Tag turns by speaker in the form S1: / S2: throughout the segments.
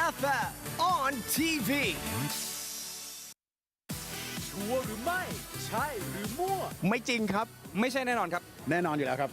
S1: FM on TV
S2: ชัวร์หรือไม่ใช่หรือมั่ว
S1: ไม่จริงครับ
S3: ไม่ใช่แน่นอนครับ
S4: แน่นอนอยู่แล้วครับ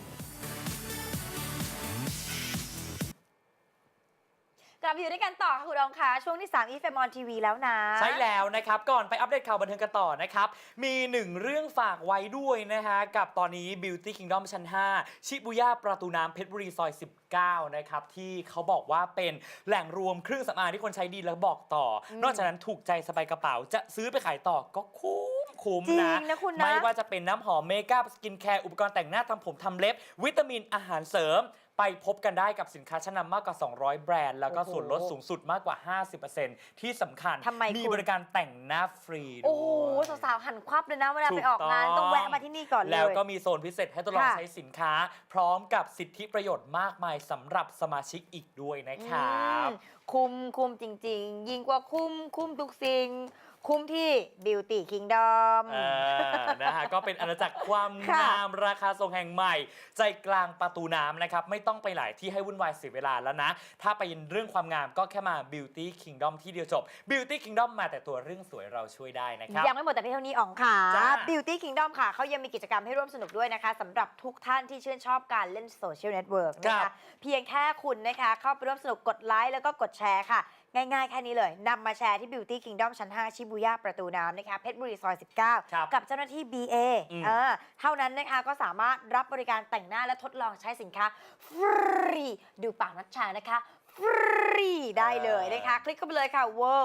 S5: กลับมาอยู่ด้วยกันต่อค่ะคุณรองคะช่วงที่3 EFM on TV แล้วนะ
S6: ใช่แล้วนะครับ ก่อนไปอัปเดตข่าวบันเทิงกันต่อนะครับ มีหนึ่งเรื่องฝากไว้ด้วยนะฮะ กับตอนนี้ Beauty Kingdom ชั้น 5 ชิบูย่าประตูน้ำเพชรบุรีซอย 19 นะครับ ที่เขาบอกว่าเป็นแหล่งรวมเครื่องสำอางที่คนใช้ดีแล้วบอกต่อ นอกจากนั้นถูกใจสบายกระเป๋าจะซื้อไปขายต่อก็คุ้ม
S5: จริง
S6: นะ
S5: นะคุณนะ
S6: ไม่ว่าจะเป็นน้ำหอมเมคอัพสกินแคร์อุปกรณ์แต่งหน้าทำผมทำเล็บ วิตามินอาหารเสริม ไปพบกันได้กับสินค้าชั้นนำมากกว่า 200 แบรนด์ แล้วก็ส่วนลดสูงสุดมากกว่า 50% ที่สำคัญ
S5: ทำไมคุณ
S6: มีบริการแต่งหน้าฟรีด้วย
S5: โอ้โหสาวๆหันควับเลยนะเวลาไปออกงาน
S6: ถูกต้อง
S5: ต้องแวะมาที่นี่ก่อนเลย
S6: แล้วก็มีโซนพิเศษให้ทดลอง
S5: ค่ะ
S6: ใช้สินค้า พร้อมกับสิทธิประโยชน์มากมายสำหรับสมาชิกอีกด้วยนะครับ
S5: คุ้มจริงๆ ยิ่งกว่าคุ้มทุกสิ่ง คุ้มที่ Beauty Kingdom
S6: นะฮะก็เป็นอาณาจักรความ
S5: ค่ะ
S6: งามราคาทรงแห่งใหม่ ใจกลางประตูน้ำนะครับ ไม่ต้องไปหลายที่ให้วุ่นวายเสียเวลาแล้วนะ ถ้าไปเรื่องความงามก็แค่มา Beauty Kingdom ที่เดียวจบ Beauty Kingdom มาแต่ตัวเรื่องสวยเราช่วยได้นะครับ
S5: ยังไม่หมดแต่เพียงเท่านี้อ๋องค่ะ
S6: จ้า
S5: Beauty Kingdom ค่ะเขายังมีกิจกรรมให้ร่วมสนุกด้วยนะคะสำหรับทุกท่านที่ชื่นชอบการเล่นโซเชียลเน็ตเวิร์กนะคะเพียงแค่คุณนะคะเข้าไปร่วมสนุกกดไลค์แล้วก็กดแชร์ค่ะ ง่ายๆ แค่นี้เลยนำมาแชร์ที่ Beauty Kingdom ชั้น 5 ชิบูย่าประตูน้ำนะคะเพชรบุรีซอย 19 กับเจ้าหน้าที่ BA เท่านั้นนะคะก็สามารถรับบริการแต่งหน้าและทดลองใช้สินค้าฟรีดูปากนัชชานะคะฟรีได้เลยนะคะคลิกเข้าไปเลยค่ะ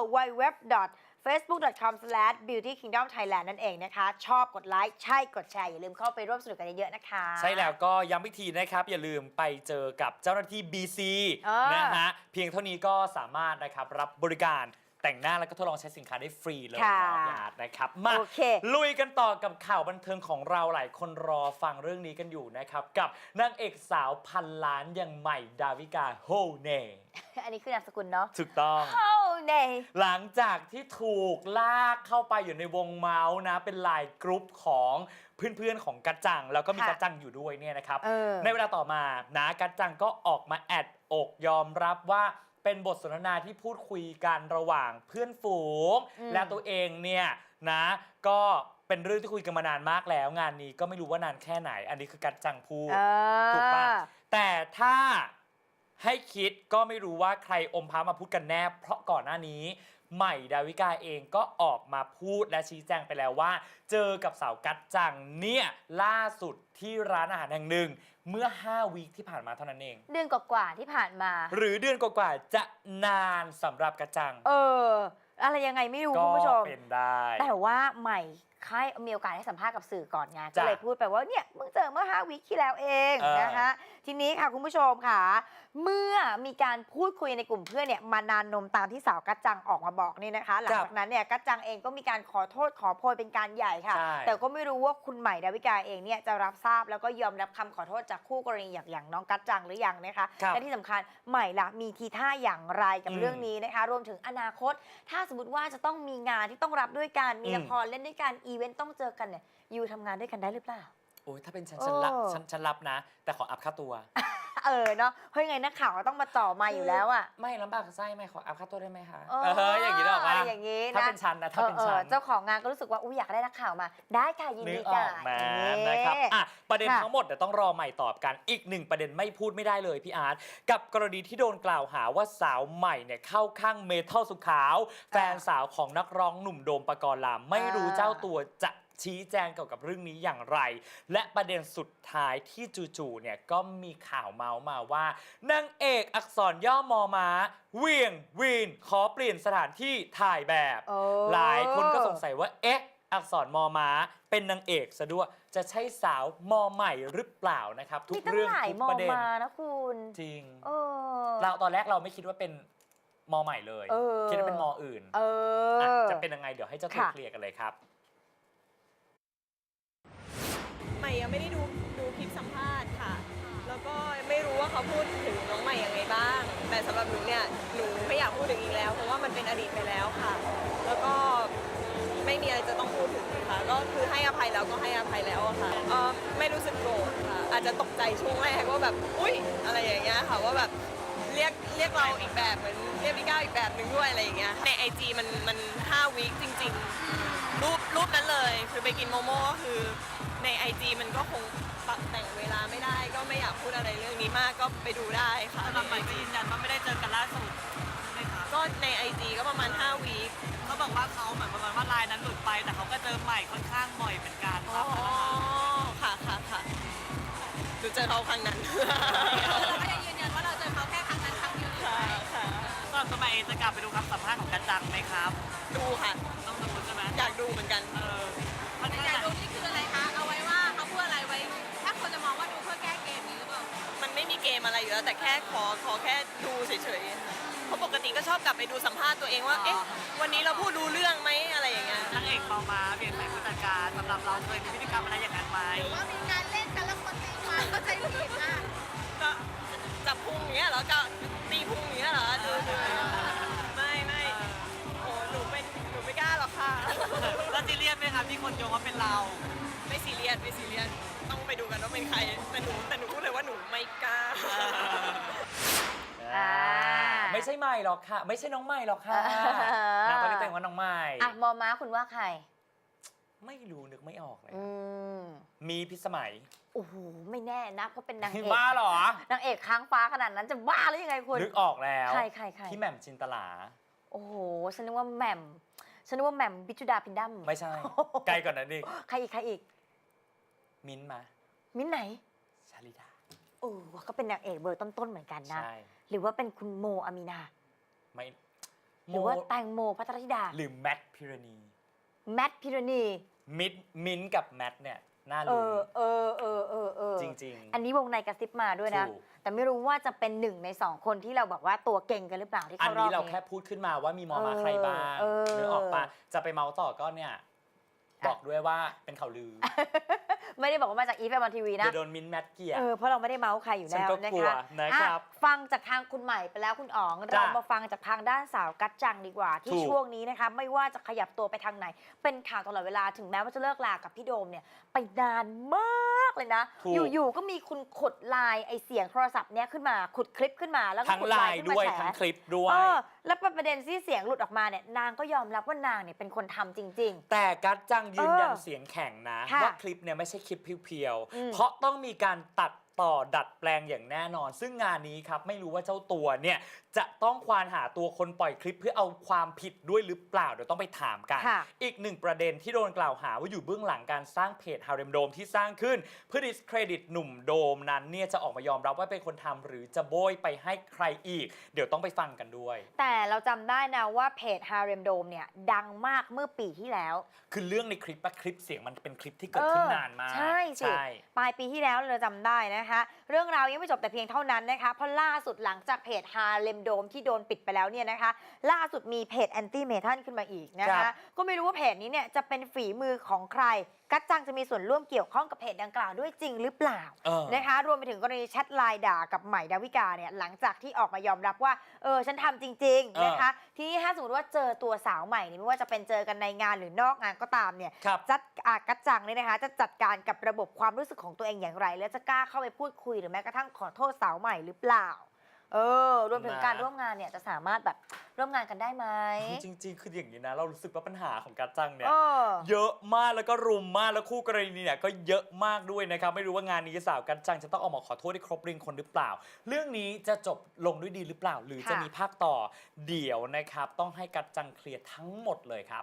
S5: www.facebook.com/beautykingdomthailand นั่นเองนะคะชอบกดไลค์ใช่กดแชร์อย่าลืมเข้าไปร่วมสนุกกันเยอะๆนะคะ
S6: ใช่แล้วก็ย้ำอีกทีนะครับ อย่าลืมไปเจอกับเจ้าหน้าที่ BC นะฮะเพียงเท่านี้ก็สามารถนะครับรับบริการแต่งหน้าแล้วก็ทดลองใช้สินค้าได้ฟรีเลยนะพี่อาร์ตนะครับมา
S5: โอเค
S6: ลุยกันต่อกับข่าวบันเทิงของเราหลายคนรอฟังเรื่องนี้กันอยู่นะครับ กับนางเอกสาวพันล้านอย่างใหม่ดาวิกาโฮเน่
S5: อันนี้คือนามสกุลเนาะ
S6: ถูกต้อง
S5: โอ้เน่
S6: หลังจากที่ถูกลากเข้าไปอยู่ในวงเมาส์นะ เป็นไลน์กรุ๊ปของเพื่อนๆของกัจจัง แล้วก็มีกัจจังอยู่ด้วยเนี่ยนะครับ ในเวลาต่อมานะกัจจังก็ออกมาแอดอกยอมรับว่าเป็นบทสนทนาที่พูดคุยกันระหว่างเพื่อนฝูง และตัวเองเนี่ยนะก็เป็นเรื่องที่คุยกันมานานมากแล้ว งานนี้ก็ไม่รู้ว่านานแค่ไหน อันนี้คือกัจจังพูดถูกปะแต่ถ้าให้คิดก็ไม่รู้ว่าใครอมพามาพูดกันแน่เพราะก่อนหน้านี้ใหม่ดาวิกาเองก็ออกมาพูดและชี้แจงไปแล้วว่า เจอกับสาวกัจจังเนี่ยล่าสุดที่ร้านอาหารแห่งหนึ่งเมื่อ5 วีคที่ผ่านมาเท่านั้นเอง
S5: เดือนกว่าๆที่ผ่านมา
S6: หรือเดือนกว่าๆจะนานสำหรับกัจจัง
S5: อะไรยังไงไม่รู้
S6: ก็
S5: คุณผู้ชม
S6: เป็นได้
S5: แต่ว่าใหม่ค่ายมีโอกาสให้สัมภาษณ์กับสื่อก่อนไงก็
S6: จ้ะ
S5: เลยพูดไปว่าเนี่ยมึงเจอเมื่อ5 วีคที่แล้วเองนะคะทีนี้ค่ะคุณผู้ชมค่ะเมื่อมีการพูดคุยในกลุ่มเพื่อนเนี่ยมานานนมตามที่สาวกัจจังออกมาบอกนี่นะคะหลังจากนั้นเนี่ยกัจจังเองก็มีการขอโทษขอโพยเป็นการใหญ่ค่ะแต่ก็ไม่รู้ว่าคุณใหม่ดาวิกาเองเนี่ยจะรับทราบแล้วก็ยอมรับคำขอโทษจากคู่กรณีอย่างน้องกัจจังหรือยังนะคะและที่สำคัญใหม่ละมีทีท่าอย่างไรกับเรื่องนี้นะคะรวมถึงอนาคตถ้าสมมติว่าจะต้องมีงานที่ต้องรับด้วยกันมีละครเล่นด้วยกันอีเวนต์ต้องเจอกันเนี่ยยูทำงานด้วยกันได้หรือเปล่า
S6: โอ้ยถ้าเป็นฉันรับนะ แต่ขออัพค่าตัว
S5: เนาะเพราะยังไงนักข่าวก็ต้องมาจ่อมาอยู่แล้วอ่ะ
S6: ไม่ลำบากไส้ไม่ขออัพค่าตัวได้ไหมคะ
S5: อย่างนี้หรออะไรอย่างนี้นะ
S6: ถ้าเป็นฉันนะถ้าเป็นฉัน
S5: เจ้าของงานก็รู้สึกว่าอยากได้นักข่าวมา ได้ค่ะยิน
S6: นึ
S5: ดี
S6: กอ
S5: ค่ะ
S6: อกมานะครับประเด็นทั้งหมดเดี๋ยวต้องรอใหม่ตอบกันอีกหนึ่งประเด็นไม่พูดไม่ได้เลยพี่อาร์ตกับกรณีที่โดนกล่าวหาว่าสาวใหม่เนี่ยเข้าข้างเมทัลสุขาว แฟนสาวของนักร้องหนุ่มโดมปกรณ์ลามไม่รู้เจ้าตัวจะชี้แจงเกี่ยวกับเรื่องนี้อย่างไรและประเด็นสุดท้ายที่จู่ๆเนี่ยก็มีข่าวเมาส์มาว่านางเอกอักษรย่อมอม้าเวียงวีนขอเปลี่ยนสถานที่ถ่ายแบบหลายคนก็สงสัยว่าเอ๊ะอักษรมอม้าเป็นนางเอกซะด้วยจะใช่สาวมอใหม่หรือเปล่านะครับทุกเรื่องทุกประเด็น
S5: นะคุณ
S6: จริงเราตอนแรกเราไม่คิดว่าเป็นมอใหม่เลยคิดว่าเป็นมออื่นจะเป็นยังไงเดี๋ยวให้เจ้าตัวเคลียร์กันเลยครับ
S7: ใหม่ยังไม่ได้ดูคลิปสัมภาษณ์ค่ะ แล้วก็ไม่รู้ว่าเขาพูดถึงน้องใหม่ยังไงบ้าง แต่สำหรับหนูเนี่ย หนูไม่อยากพูดถึงอีกแล้ว เพราะว่ามันเป็นอดีตไปแล้วค่ะ แล้วก็ไม่มีอะไรจะต้องพูดถึงค่ะ ก็คือให้อภัยแล้วก็ให้อภัยแล้วอะค่ะไม่รู้สึกโกรธค่ะ อาจจะตกใจช่วงแรกว่าแบบ อุ๊ย อะไรอย่างเงี้ยค่ะ ว่าแบบเรียกเราอีกแบบเหมือนเรียกพี่ก้าวอีกแบบหนึ่งด้วยอะไรอย่างเงี้ยใน IG มัน5 วีคจริงๆรูปนั้นเลยคือไปกินโมโม่ก็คือใน IG มันก็คงปรับแต่งเวลาไม่ได้ก็ไม่อยากพูดอะไรเรื่องนี้มากก็ไปดูได้ค่ะ
S3: สำหรับใหม่ก็ยืนยันว่าไม่ได้เจอกันล่าสุดใช่ไหมคะ
S7: ก็ใน IG ก็ประมาณ5 วีค
S3: เขาบอกว่าเขาเหมือนประมาณว่าไลน์นั้นหลุดไปแต่เขาก็เจอใหม่ค่อนข้างบ่อยเหมือนกันค
S7: อ๋
S3: รั
S7: อบ ค่ะดูเจอเขาครั้งนั้น
S3: เราก็ยังยืนยันว่าเราเจอเขาแค่ครั้งนั้นครั้งเดียว
S7: ค่ะค่ะ
S3: สำหรับตัวใหม่เองจะกลับไปดูคำสัมภาษณ์ของกันจังไหมครับ
S7: ดูค่ะ
S3: ต้องดูใช่ไหม
S7: อยากดูเหมือนกัน
S3: มัน
S4: อยากดูนี่คืออะไรคะ เอาไว้ว่าเขาพูดอะไรไว้ ถ้าคนจะมองว่าดูเพื่อแก้เกมนี้หรือเปล่า
S7: มันไม่มีเกมอะไรอยู่แล้วแต่แค่ขอแค่ดูเฉยๆเพราะปกติก็ชอบกลับไปดูสัมภาษณ์ตัวเองว่า เอ๊ะ วันนี้เราพูดรู้เรื่องไหมอะไรอย่างเงี้ย
S3: นางเอกเปามาเปลี่ยนสายผู้จัดการสำหรับเราเคยมีพฤติกรรมอะไรอย่างนั้นไหม
S4: ว่ามีการเล่นกันแล้วคนตีความเข้าใจผิดอ่ะ
S7: ก็จับพุงอย่างเงี้ยเหรอก็ตีพุงอย่างเงี้ยเหรอดูไม่โอ้หนูไม่กล้าหรอกค่ะ
S3: แล้วซีเรียสไหมครับที่คนโยงว่าเป็นเรา
S7: ไม่ซีเรียสต้องไปดูกันว่าเป็นใครแต่หนูพูดเลยว่าหนูไม่กล้า
S6: ไม่ใช่ใหม่หรอกค่ะ ไม่ใช่น้องใหม่หรอกค่ะนางก็เรียกตัวเองว่าน้องใหม่
S5: อ่ะมอม้าคุณว่าใคร
S6: ไม่รู้นึกไม่ออกเลย
S5: อืม
S6: มีพิสมัย
S5: โอ้โหไม่แน่นะเพราะเป็นนางเอก
S6: บ้าเหรอ
S5: นางเอกค้างฟ้าขนาดนั้นจะบ้าหรือยังไงคุณ
S6: นึกออกแล้ว
S5: ใคร
S6: พี่แหม่มจินตลา
S5: โอ้โหฉันนึกว่าแหม่มบิจุดาพินดัม
S6: ไม่ใช่ ไกลก่อนนั้นดิ
S5: ใครอีก
S6: มิ้นท์มา
S5: มิ้นท์ไหน
S6: ชาลิดา
S5: โอ้ก็เป็นนางเอกเบอร์ต้นๆเหมือนกันนะ
S6: ใช่
S5: หรือว่าเป็นคุณโมอามีนา
S6: ไม่
S5: หรือว่าแตงโมพัทรธิดา
S6: หรือแมทพิรณี
S5: แมทพิรณี
S6: มิ้นท์กับแมทเนี่ยน่า
S5: เอ
S6: รู้
S5: อ
S6: จริงๆ
S5: อันนี้วงในกระซิบมาด้วยนะ
S6: ถูก
S5: แต่ไม่รู้ว่าจะเป็นหนึ่งในสองคนที่เราบอกว่าตัวเก่งกันหรือเปล่าที่
S6: อัน
S5: เข้ารอบ
S6: นี้เรา
S5: นี้
S6: แค่พูดขึ้นมาว่ามีมอมาใครบ้าง
S5: เออ
S6: นึกออกปะจะไปเมาส์ต่อก็เนี่ยบอกด้วยว่าเป็นข่าวลือ
S5: ไม่ได้บอกว่ามาจากอีฟแมนทีวีนะ
S6: จะโดนมิ้นท์แมทเกียร์
S5: เพราะเราไม่ได้เมาส์ใครอยู่
S6: ฉัน
S5: แล้ว
S6: ก็
S5: นะ
S6: กลัว
S5: คะ
S6: นะครับ
S5: อ่ะฟังจากทางคุณใหม่ไปแล้วคุณอ๋อง
S6: จ้ะ
S5: เรามาฟังจากทางด้านสาวกัจจังดีกว่า ที่
S6: ถูก
S5: ช่วงนี้นะคะไม่ว่าจะขยับตัวไปทางไหน เป็นข่าวตลอดเวลาถึงแม้ว่าจะเลิกลากับพี่โดมเนี่ยไปนานมากเลยนะ
S6: ถูก
S5: อยู่ๆก็มีคุณขุดไลน์ไอเสียงโทรศัพท์เนี้ยขึ้นมาขุดคลิปขึ้นมาแล้วก็
S6: ทั้ง
S5: ขุด
S6: ไล
S5: ไลน์
S6: น์
S5: ขึ้น
S6: ด้วย
S5: มาแฉ
S6: ทั้งคลิปด้วย
S5: แล้วประเด็นที่เสียงหลุดออกมาเนี่ยนางก็ยอมรับว่านางเนี่ยเป็นคนทำจริง
S6: แต่กัจจังยืนยัน
S5: เออ
S6: เสียงแข็งนะ
S5: ค่ะ
S6: ว่าคลิปเนี่ยไม่ใช่คลิปเพียว
S5: อืม
S6: ๆเพราะต้องมีการตัดต่อดัดแปลงอย่างแน่นอน ซึ่งงานนี้ครับไม่รู้ว่าเจ้าตัวเนี่ยจะต้องควานหาตัวคนปล่อยคลิปเพื่อเอาความผิดด้วยหรือเปล่าเดี๋ยวต้องไปถามกัน
S5: ค่ะ
S6: อีกหนึ่งประเด็นที่โดนกล่าวหาว่าอยู่เบื้องหลังการสร้างเพจฮาเร็มโดมที่สร้างขึ้นเพื่อดิสเครดิตหนุ่มโดมนั้นเนี่ยจะออกมายอมรับว่าเป็นคนทำหรือจะโบยไปให้ใครอีก เดี๋ยวต้องไปฟังกันด้วย
S5: แต่เราจำได้นะว่าเพจ Harem Dome เนี่ยดังมากเมื่อปีที่แล้ว
S6: คือเรื่องในคลิปคลิปเสียงมันเป็นคลิปที่เกิดขึ้นนานมาก
S5: ใช่สิปลายปีที่แล้วเราจำได้นะคะ เรื่องราวยังไม่จบแต่เพียงเท่านั้นนะคะ เพราะล่าสุดหลังจากเพจ Harem Dome ที่โดนปิดไปแล้วเนี่ยนะคะ ล่าสุดมีเพจ Anti Metan ขึ้นมาอีกนะ
S6: ครั
S5: คะ
S6: บ
S5: ก็ไม่รู้ว่าเพจนี้เนี่ยจะเป็นฝีมือของใคร กัจจังจะมีส่วนร่วมเกี่ยวข้องกับเพจดังกล่าวด้วยจริงหรือเปล่า นะคะรวมไปถึงกรณีแชทไลน์ด่ากับใหม่ดาวิกาเนี่ยหลังจากที่ออกมายอมรับว่าฉันทำจริงๆนะคะทีนี้ถ้าสมมติว่าเจอตัวสาวใหม่เนี่ยไม่ว่าจะเป็นเจอกันในงานหรือนอกงานก็ตามเนี่ย
S6: ครับ
S5: กัจจังเนี่ยนะคะจะจัดการกับระบบความรู้สึกของตัวเองอย่างไร แล้วจะกล้าเข้าไปพูดคุยหรือแม้กระทั่งขอโทษสาวใหม่หรือเปล่ารวมถึงการร่วมงานเนี่ยจะสามารถแบบร่วมงานกันได้ไหม
S6: จริงๆคืออย่างนี้นะเรารู้สึกว่าปัญหาของกัจจังเนี่ย
S5: เออ
S6: เยอะมากแล้วก็รุมมากแล้วคู่กรณีเนี่ยก็เยอะมากด้วยนะครับไม่รู้ว่างานนี้สาวกัจจังจะต้องออกมาขอโทษได้ครบริงคนหรือเปล่า เรื่องนี้จะจบลงด้วยดีหรือเปล่า หรือจะ
S5: ค่ะ
S6: มีภาคต่อเดี๋ยวนะครับต้องให้กัจจังเคลียร์ทั้งหมดเลยครับ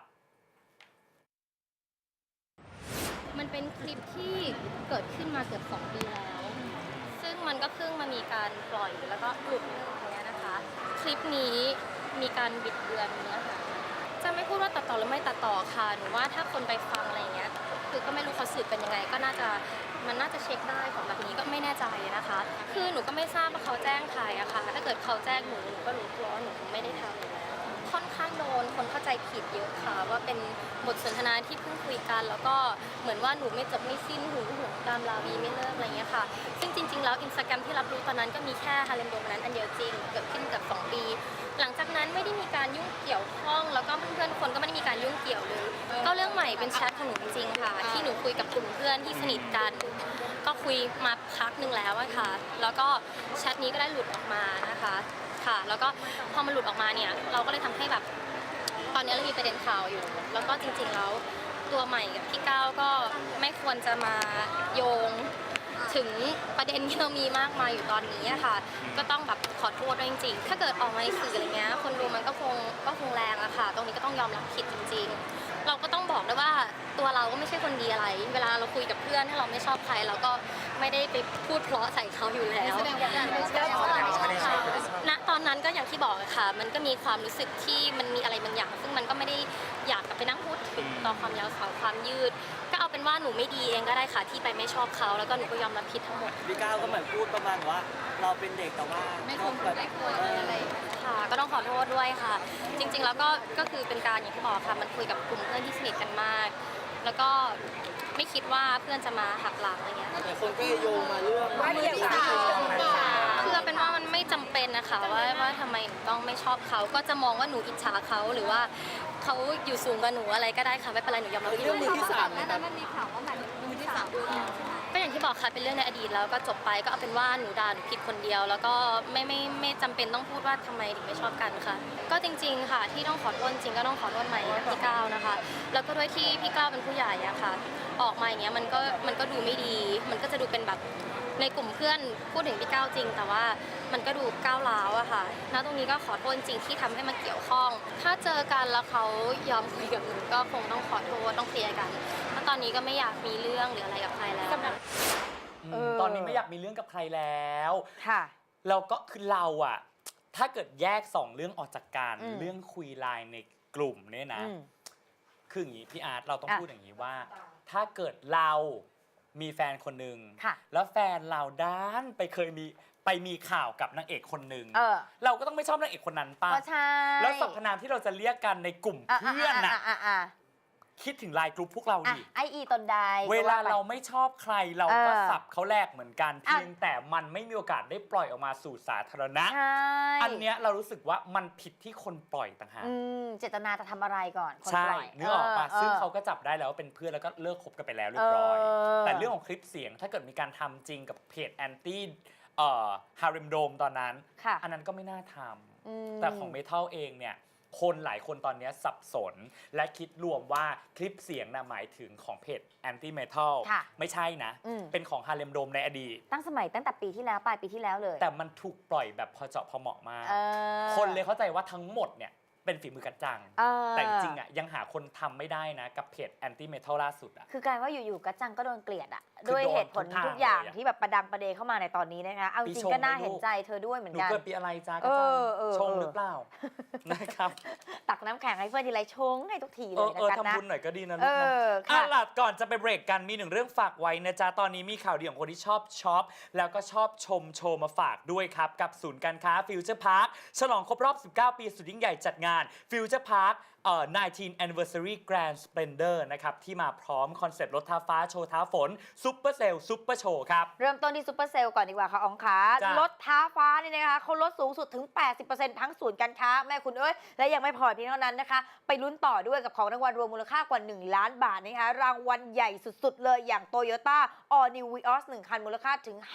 S8: มันเป็นคลิปที่เกิดขึ้นมาเกือบ2 ปีแล้ว ซึ่งมันก็เพิ่งมามีการปล่อยแล้วก็หลุดอย่างเงี้ยนะคะ คลิปนี้มีการบิดเบือนเนื้อหาจะไม่พูดว่าตัดต่อหรือไม่ตัดต่อค่ะหนูว่าถ้าคนไปฟังอะไรอย่างเงี้ย คือก็ไม่รู้เขาสืบเป็นยังไง ก็มันน่าจะเช็คได้ของแบบนี้ก็ไม่แน่ใจนะคะ คือหนูก็ไม่ทราบว่าเขาแจ้งใครอะค่ะ ถ้าเกิดเขาแจ้งหนูก็รู้ตัวว่าหนูไม่ได้ทำอยู่แล้วค่อนข้างโดนคนเข้าใจผิดเยอะค่ะ ว่าเป็นบทสนทนาที่เพิ่งคุยกัน แล้วก็เหมือนว่าหนูไม่จบไม่สิ้นหึงหวงตามราวีไม่เลิกอะไรเงี้ยค่ะ ซึ่งจริงๆแล้วInstagramที่รับรู้ตอนนั้นก็มีแค่ฮาเลมโดมนั้นอันเดียวจริงเกิดขึ้นเกือบ2 ปี หลังจากนั้นไม่ได้มีการยุ่งเกี่ยวข้องแล้วก็เพื่อนๆคนก็ไม่ได้มีการยุ่งเกี่ยวเลยก็เรื่องใหม่เป็นแชทของหนูจริงๆค่ะที่หนูคุยกับกลุ่มเพื่อนที่สนิทกันก็คุยมาพักหนึ่งแล้วอะค่ะแล้วก็แชทนี้ก็ได้หลุดออกมานะคะค่ะแล้วก็พอมันหลุดออกมาเนี่ยเราก็เลยทำให้แบบตอนนี้เรามีประเด็นข่าวอยู่แล้วก็จริงๆแล้วตัวใหม่กับพี่ก้าวก็ไม่ควรจะมาโยงถึงประเด็นที่เรามีมากมายอยู่ตอนนี้อะค่ะก็ต้องแบบขอโทษด้วยจริงๆถ้าเกิดออกมาในสื่ออะไรเงี้ยคนดูมันก็คงแรงอะค่ะตรงนี้ก็ต้องยอมรับผิดจริงๆเราก็ต้องบอกด้วยว่าตัวเราก็ไม่ใช่คนดีอะไรเวลาเราคุยกับเพื่อนถ้าเราไม่ชอบใครเราก็ไม่ได้ไปพูดเพราะใส่เขาอยู่แล้วณตอนนั้นก็อย่างที่บอกอะค่ะมันก็มีความรู้สึกที่มันมีอะไรบางอย่างซึ่งมันก็ไม่ได้อยากกลับไปนั่งพูดถึงต่อความยาวสาวความยืดก็เอาเป็นว่าหนูไม่ดีเองก็ได้ค่ะที่ไปไม่ชอบเขาแล้วก็หนูก็ยอมรับผิดทั้งหมด
S3: พี่ก้าวก็เหมือนพูดประมาณว่าเราเป็นเด็กแต่ว่าไม่ควรอะไร
S8: ค่ะก็ต้องขอโทษด้วยค่ะจริงๆแล้วก็คือเป็นการอย่างที่บอกค่ะมันคุยกับกลุ่มเพื่อนที่สนิทกันมากแล้วก็ไม่คิดว่าเพื่อนจะมาหักหลังอะไรเงี้ย
S3: แต่คนก็โยงมาเรื่อง
S4: มือที่สาม
S8: คือเป็นว่ามันไม่จำเป็นนะคะว่าทำไมหนูต้องไม่ชอบเขาก็จะมองว่าหนูอิจฉาเขาหรือว่าเขาอยู่สูงกว่าหนูอะไรก็ได้ค่ะไม่เป็นไรหนูยอมรับผิด
S3: เรื่องมือที่สาม
S4: นะครับมันมีข่าวว่าหมายถึงมือที่สามด้วย
S8: ก็อย่างที่บอกค่ะเป็นเรื่องในอดีตแล้วก็จบไปก็เอาเป็นว่าหนูด่าหนูผิดคนเดียวแล้วก็ไม่จำเป็นต้องพูดว่าทำไมถึงไม่ชอบกันค่ะก็จริงๆค่ะที่ต้องขอโทษจริงก็ต้องขอโทษใหม่พี่ก้าวนะคะแล้วก็ด้วยที่พี่ก้าวเป็นผู้ใหญ่อะค่ะออกมาอย่างเงี้ยมันก็ดูไม่ดีมันก็จะดูเป็นแบบในกลุ่มเพื่อนพูดถึงพี่ก้าวจริงแต่ว่ามันก็ดูก้าวร้าวอะค่ะณตรงนี้ก็ขอโทษจริงที่ทำให้มาเกี่ยวข้องถ้าเจอกันแล้วเขายอมคุยกับหนูก็คงต้องขอโทษต้องเคลียร์กันเพราะตอนนี้ก็ไม่อยากมีเรื่องหรืออะไรกับใครแล้ว
S6: ตอนนี้ไม่อยากมีเรื่องกับใครแล้ว
S5: ค่ะ
S6: แล้วก็คือเราอะถ้าเกิดแยก2เรื่องออกจากกันเรื่องคุยไลน์ในกลุ่มเนี่ยนะคืออย่างนี้พี่อาร์ตเราต้องพูดอย่างนี้ว่าถ้าเกิดเรามีแฟนคนหนึ่งแล้วแฟนเราด้านไปมีข่าวกับนางเอกคนหนึ่งเราก็ต้องไม่ชอบนางเอกคนนั้นป่ะแล้วสรรพนามที่เราจะเรียกกันในกลุ่มเพื่อนน่ะคิดถึงไลน์กลุ่มพวกเราดิ
S5: ไอตนใด
S6: เวลาเราไม่ชอบใครเราก็สับเขาแลกเหมือนกันเพียงแต่มันไม่มีโอกาสได้ปล่อยออกมาสู่สาธารณะอันเนี้ยเรารู้สึกว่ามันผิดที่คนปล่อยต่างหาก
S5: เจตนาจะทำอะไรก่อนคน
S6: ป
S5: ล่อย
S6: นึกออกปะซึ่งเขาก็จับได้แล้วว่าเป็นเพื่อนแล้วก็เลิกคบกันไปแล้วเรียบร้อยแต่เรื่องของคลิปเสียงถ้าเกิดมีการทำจริงกับเพจแอนตี้ฮาริมโดมตอนนั้นอันนั้นก็ไม่น่าทำแต่ของเมทัลเองเนี่ยคนหลายคนตอนนี้สับสนและคิดรวมว่าคลิปเสียงนะหมายถึงของเพจแอนตี้เมทัลไม่ใช่นะเป็นของฮาริมโดมในอดีต
S5: ตั้งแต่ปีที่แล้วปลายปีที่แล้วเลย
S6: แต่มันถูกปล่อยแบบพอเจาะพอเหมาะมากคนเลยเข้าใจว่าทั้งหมดเนี่ยเป็นฝีมือกัจจังแต่จริงๆอ่ะยังหาคนทำไม่ได้นะกับเพจแอนตี้เมทัลล่าสุดอ่ะ
S5: คือกลายว่าอยู่ๆกัจจังก็โดนเกลียดอ่ะด้วยเหตุผลทุกอย่างที่แบบประดังประเดเข้ามาในตอนนี้นะคะเอาจริงก็น่าเห็นใจเธอด้วยเหมือนกัน
S6: หนูเกิดปีอะไรจ้ากัจจังชงหรือเปล่านะครับ
S5: ตักน้ำแข็งให้เพื่อนทีไรชงให้ทุกทีเลยนะ
S6: ทำบุญหน่อยก็ดีนะลูกนะหลัดก่อนจะไปเบรกกันมีหนึ่งเรื่องฝากไว้นะจ๊ะตอนนี้มีข่าวดีของคนที่ชอบช็อปแล้วก็ชอบชมโชว์มาฝากด้วยครับกับศูนย์การค้าฟิวเจอร์พาร์คฉลองครบรอบ19 ปีสุดยิ่งใหญ่จัดงานฟิวเจอร์พาร์ค19 Anniversary Grand Splendor นะครับที่มาพร้อมคอนเซ็ปต์รถท้าฟ้าโชว์ท้าฝนซุปเปอร์เซลล์ซุปเปอร์โชว์ครับ
S5: เริ่มต้นที่ซุปเปอร์เซลล์ก่อนดีกว่าค่ะอ๋องขาลดท้าฟ้านี่นะคะเขาลดสูงสุดถึง 80% ทั้งศูนย์การค้าแม่คุณเอ้ยและยังไม่พอเพียงเท่านั้นนะคะไปลุ้นต่อด้วยกับของรางวัลรวมมูลค่ากว่า1 ล้านบาทนะคะรางวัลใหญ่สุดๆเลยอย่าง Toyota All New Vios 1 คันมูลค่าถึง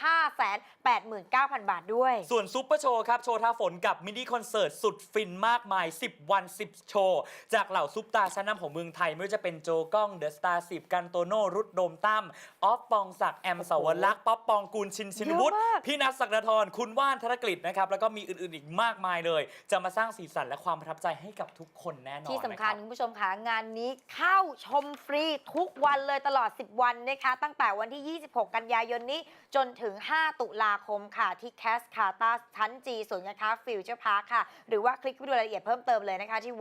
S5: 589,000 บาทด้วย
S6: ส่วนซุปเปอร์โชว์ครับโชว์ท้าฝนกับมินิคอนเสิร์ตสุดฟินมากมาย10 วัน10โชว์จากเหล่าซุปตาชั้นนำของเมืองไทยไม่ว่าจะเป็นโจก้องเดอะสตาร์10กันโตโน่รุดโดมตั้มออฟปองศักดิ์แอมสาวรักษ์ป๊อปปองกูลชินวุฒิพี่นัทศักดาธรคุณว่านธนกฤษนะครับแล้วก็มีอื่นๆอีกมากมายเลยจะมาสร้างสีสันและความประทับใจให้กับทุกคนแน่นอน
S5: ที่สำคัญคุณผู้ชมค่ะงานนี้เข้าชมฟรีทุกวันเลยตลอด10 วันนะคะตั้งแต่วันที่26 กันยายนนี้จนถึง5 ตุลาคมค่ะที่แคสคาตาชั้น G ศูนย์การค้าฟิวเจอร์พาร์คค่ะหรือว่าคลิกไปดูรายละเอียดเพิ่มเติมเลยนะคะที่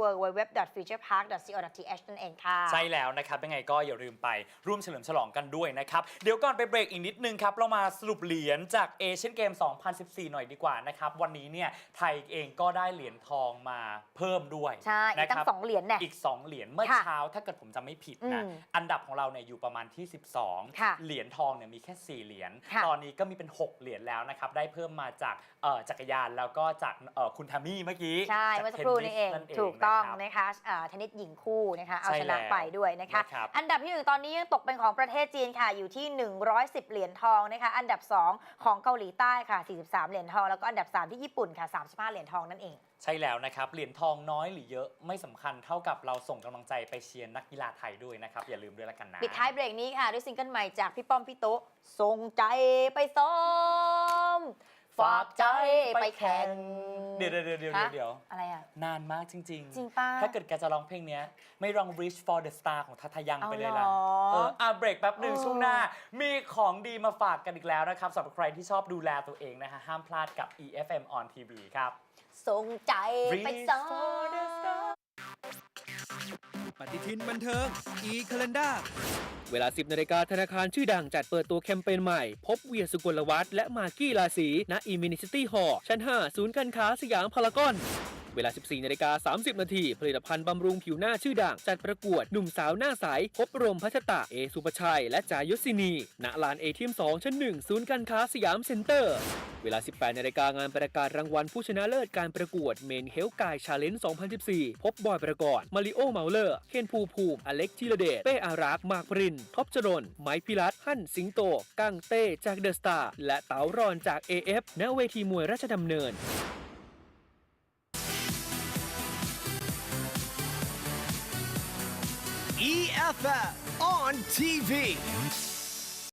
S5: www.futurepark.co.th นั่นเองค่ะ
S6: ใช่แล้วนะครับยังไงก็อย่าลืมไปร่วมเฉลิมฉลองกันด้วยนะครับเดี๋ยวก่อนไปเบรกอีกนิดนึงครับเรามาสรุปเหรียญจากเอเชียนเกม 2014 หน่อยดีกว่านะครับวันนี้เนี่ยไทยเองก็ได้เหรียญทองมาเพิ่มด้วย
S5: ใช่อีกตั้ง2 เหรียญเนี่ย
S6: อีก2 เหรียญเมื่อเช้าถ้าเกิดผมจำไม่ผิดนะอันดับของเราเนี่ยอยู่ประมาณที่12เหรียญทองเนี่ยมีแค่4 เหรียญตอนนี้ก็มีเป็น6 เหรียญแล้วนะครับได้เพิ่มมาจากจักรยานแล้วก็จากคุณทามี่เมื่อกี้
S5: ใช่เมื่อสักครู่นี้เองถูกต้องนะคะเทนนิสหญิงคู่นะคะเอา
S6: ใช่
S5: ชนะไปด้วยนะคะ
S6: นะครับ
S5: อันดับที่ 1 ตอนนี้ยังตกเป็นของประเทศจีนค่ะอยู่ที่ 110 เหรียญทองนะคะอันดับ 2 ของเกาหลีใต้ค่ะ43 เหรียญทองแล้วก็อันดับ 3 ที่ญี่ปุ่นค่ะ35 เหรียญทองนั่นเอง
S6: ใช่แล้วนะครับเหรียญทองน้อยหรือเยอะไม่สำคัญเท่ากับเราส่งกำลังใจไปเชียร์นักกีฬาไทยด้วยนะครับอย่าลืมด้วยละกันนะ
S5: ปิดท้ายเบรกนี้ค่ะด้วยซิงเกิลใหม่จากพี่ป้อมพี่โต๊ะส่งใจไปซ้อมฝากใจไปแข่ง
S6: เดี๋ยว
S5: อะไรอ่ะ
S6: นานมากจริง
S5: จริงป่ะ
S6: ถ้าเกิดแกจะร้องเพลงเนี้ยไม่ร้อง Reach for the Star ของทัทยังไปเลยล่ะ
S5: เอาเหรอ
S6: เบรกแป๊บหนึ่ง
S5: เออ
S6: ช่วงหน้า มีของดีมาฝากกันอีกแล้วนะครับสำหรับใครที่ชอบดูแลตัวเองนะฮะห้ามพลาดกับ EFM on TV ครับ
S5: ส่งใจไปซ้อ
S6: Reach for the
S5: ม
S6: Star
S1: ปฏิทินบันเทิง e-calendar
S2: เวลา 10 นาฬิกาธนาคารชื่อดังจัดเปิดตัวแคมเปญใหม่ พบเวียสุกลวัฒน์และมากกี้ราศีณอิมินิซิตี้ฮอลล์ชั้น 5 ศูนย์การค้าสยามพารากอน เวลา 14 นาฬิกา 30 นาทีผลิตภัณฑ์บำรุงผิวหน้าชื่อดังจัดประกวดหนุ่มสาวหน้าใส พบรมพัชตะ เอสุปชัย และจายศินี ณ ลานเอทีม 2 ชั้น 1 ศูนย์การค้าสยามเซ็นเตอร์ เวลา 18 นาฬิกางานประกาศรางวัลผู้ชนะเลิศการประกวดเมนเฮลกายชาเลนจ์ 2014 พบบอยประกอบมาริโอเมาเลอร์ เคนภูมิ อเล็กธีรเดช เป้อารักษ์ มากปริน ท็อปจรน ไมค์พิรัตน์หั่นสิงโต กั้งเต้จากเดอะสตาร์ และเต๋ารอนจาก AF ณ เวทีมวยราชดำเนิน
S1: EFF on TV.